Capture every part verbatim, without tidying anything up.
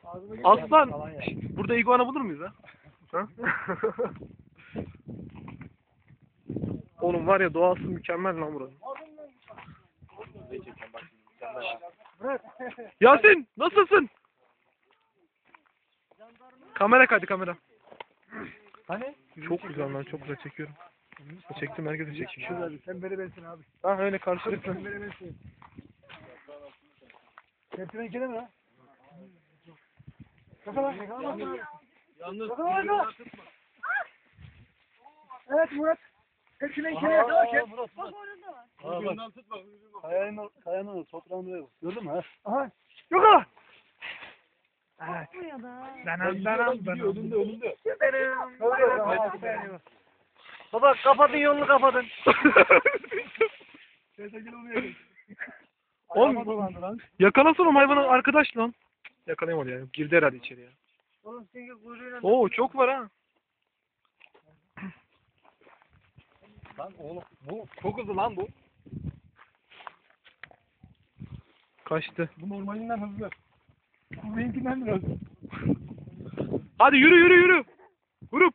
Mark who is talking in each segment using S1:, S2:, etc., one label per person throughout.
S1: Aslan. Burada iguana bulur muyuz ha? Ha? Oğlum var ya, doğası mükemmel lan buranın. Yasin nasılsın? Kamera kaydı kamera.
S2: Hani?
S1: Çok güzel lan, çok güzel çekiyorum. Çektim, herkese çekeyim.
S2: Şurada sen beni bensin abi.
S1: Ha öyle karşılıklı.
S2: Sen beni bensin. Hepsine ikide mi lan? Yakala, yakala. Yalnız yakala. Evet Murat. Hepsine ikide yakala ki.
S3: Bak orada var.
S2: Kayanın, kayanın toprağını ver. Gördün mü ha?
S1: Aha. Yakala.
S3: Evet. Bu ya da.
S1: Danam danam danam.
S2: Önünde önünde.
S1: Baba kapatın, yolunu kapatın. Oğlum yakalasana o hayvanı, arkadaş lan. Yakalayamadı ya. Girdi herhalde içeriye.
S2: Oğlum senin kuyruğuyla.
S1: Oo çok var ha.
S2: Lan oğlum bu çok hızlı lan bu.
S1: Kaçtı.
S2: Bu normalinden hızlı. Bu benimkinden biraz.
S1: Hadi yürü yürü yürü. Grup.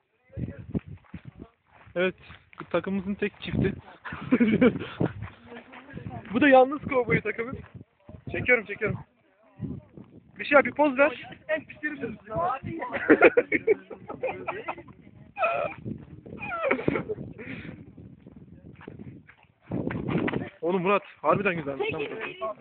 S1: Evet. Bu takımımızın tek çifti. Bu da yalnız kovboy takımı. Çekiyorum çekiyorum. Bir şey yap, bir poz ver.
S2: En pislerim bu.
S1: Oğlum Murat harbiden güzelmiş lan bu.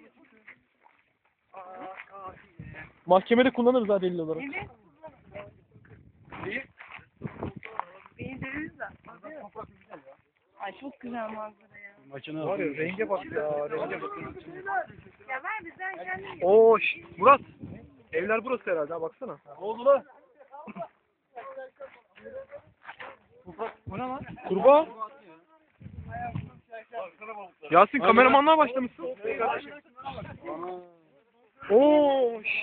S1: Mahkemede kullanırız ha, delil olarak.
S3: Evet. Beğendiriz de. Ay çok güzel manzara ya.
S2: Makine
S1: Var ya, renge bak ya, renge bak.
S3: Ya ver de sen kendin.
S1: Oo şş, Murat. Evler burası herhalde ha, baksana.
S2: Ne oldu lan? Bu ne lan?
S1: Kurbağa. Yasin kameramanlığa başlamışsın. Oo şş.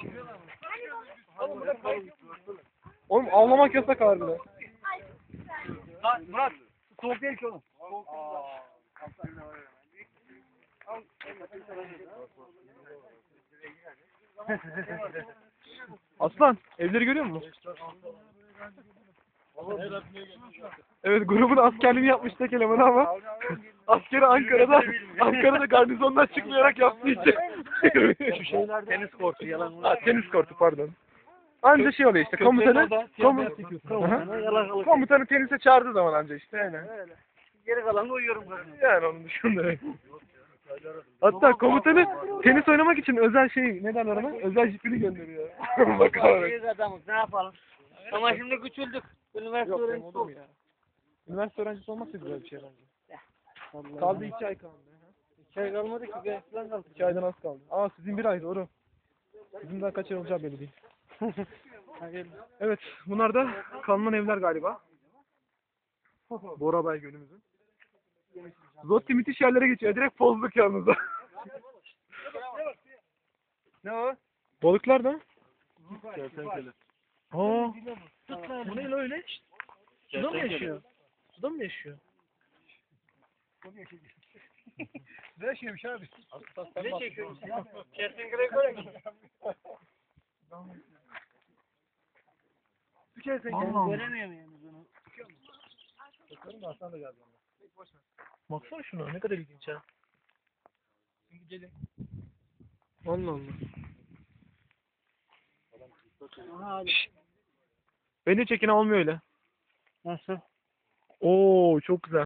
S1: Oğlum avlamak yasak harbiden.
S2: Lan Murat. Soğuk değil ki oğlum.
S1: Aslan evleri görüyor musun? Evet, grubun askerliğini yapmış tek elemanı ama askeri Ankara'da Ankara'da garnizondan çıkmayarak yaptığı için.
S2: Şu şeyler tenis kortu yalan.
S1: Ha, tenis kortu pardon. Anca şey oluyor işte, komutanı komu- Aha. komutanı tenise çağırdığı zaman anca işte yani.
S2: Geri kalanı uyuyorum.
S1: Yani onun dışında. Hatta komutanı tenis oynamak için özel şey, ne derler ona? Özel jipini gönderiyor. Bakalım.
S2: Büyük adamız ne yapalım? Ama şimdi küçüldük. Üniversite
S1: Yok benim
S2: öğrencisi
S1: olur
S2: olduk.
S1: ya. Üniversite öğrencisi olmak da güzel bir şey bence. Kaldı iki ay kaldı.
S2: İki ay kalmadı ki. Gel falan kaldı.
S1: İki aydan az kaldı. Aa sizin bir ay doğru. Bizim daha kaç ay olacağı belli değil. Evet, bunlar da kalınan evler galiba. Borabay Gölümüzün. Zotti müthiş yerlere geçiyor. Direkt pozluk yalnız.
S2: Ne o?
S1: Balıklar da.
S2: Kertenkele.
S1: Aa. Bu ne lan öyle? Suda mı yaşıyor? Suda mı yaşıyor?
S2: Ne yaşıyormuş abi? Ne çekiyorsun? Kertenkele görüyor musun? Bir kertenkele göremiyor muyum bunu? Bakalım da Hasan da geldi.
S1: Baksana şuna, ne kadar ilginç ha.
S2: Gelin.
S1: Allah Allah.
S2: Aha abi.
S1: Beni çekin olmuyor öyle.
S2: Nasıl?
S1: Oo çok güzel.